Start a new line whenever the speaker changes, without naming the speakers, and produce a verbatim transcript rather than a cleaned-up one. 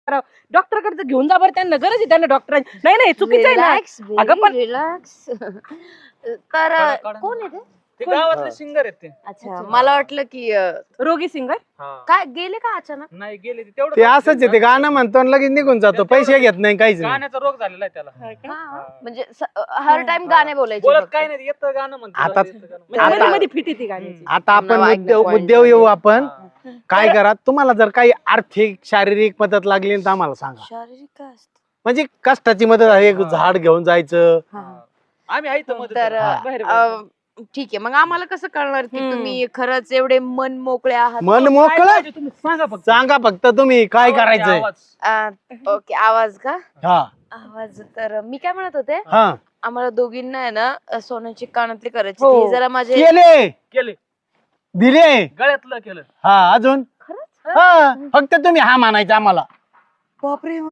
Doctor कडे घेऊन जा बरं, त्यांना गरज आहे त्यांना डॉक्टर. नाही नाही चुकीचं आहे ना. अगं पण
रिलॅक्स. तर कोण आहे ते?
ते गावातले सिंगर आहेत ते.
अच्छा, मला वाटलं की अं,
रोगी सिंगर
काय गेले का अचानक?
नाही गेले ते तेवढं
ते असंच आहे, ते गाणं म्हणतो आणि लगेच निघून जातो, पैसे घेत नाही काहीच नाही.
गाण्याचा रोग झालेला आहे त्याला.
हा, म्हणजे स- हर टाइम गाणे बोलायचे
बोलत
फक्त.
काय नाही येतं गाणं म्हणतो.
आता-
येतं गाणं.
म्हणजे
आता-
मध्ये फिट येते गाण्याची.
आता आपण
नवा
मुद्दे
ऐकणं point
मुद्द्यावर येऊ आपण.
हा.
काय करा, तुम्हाला जर काही आर्थिक शारीरिक मदत लागली तर आम्हाला सांगा.
शारीरिक काय असतं?
म्हणजे कष्टाची मदत आहे, एक
हा.
झाड घेऊन जायचं.
हा.
आम्ही आहे इथं मदत
तर
करायला.
हा.
बरं, बरं.
अं, ठीक आहे, मग आम्हाला कसं कळणार की
हम्म.
तुम्ही खरंच एवढे मन मोकळे आहात?
मन
काय
मोकळं
पाहिजे तुम्ही सांगा फक्त.
सांगा फक्त तुम्ही काय
आवाज आहे,
करायचंय.
आवाज.
अं, ओके, आवाज का?
हा
आवाज तर मी काय म्हणत होते,
हा
आम्हाला दोघींना आहे ना अं, सोन्याची कानातली करायची.
हो.
ती जरा माझे
केले
केले
दिले.
गळ्यातलं केलं.
हा अजून
खरंच?
हा फक्त तुम्ही हा मानायचा आम्हाला.
बापरे,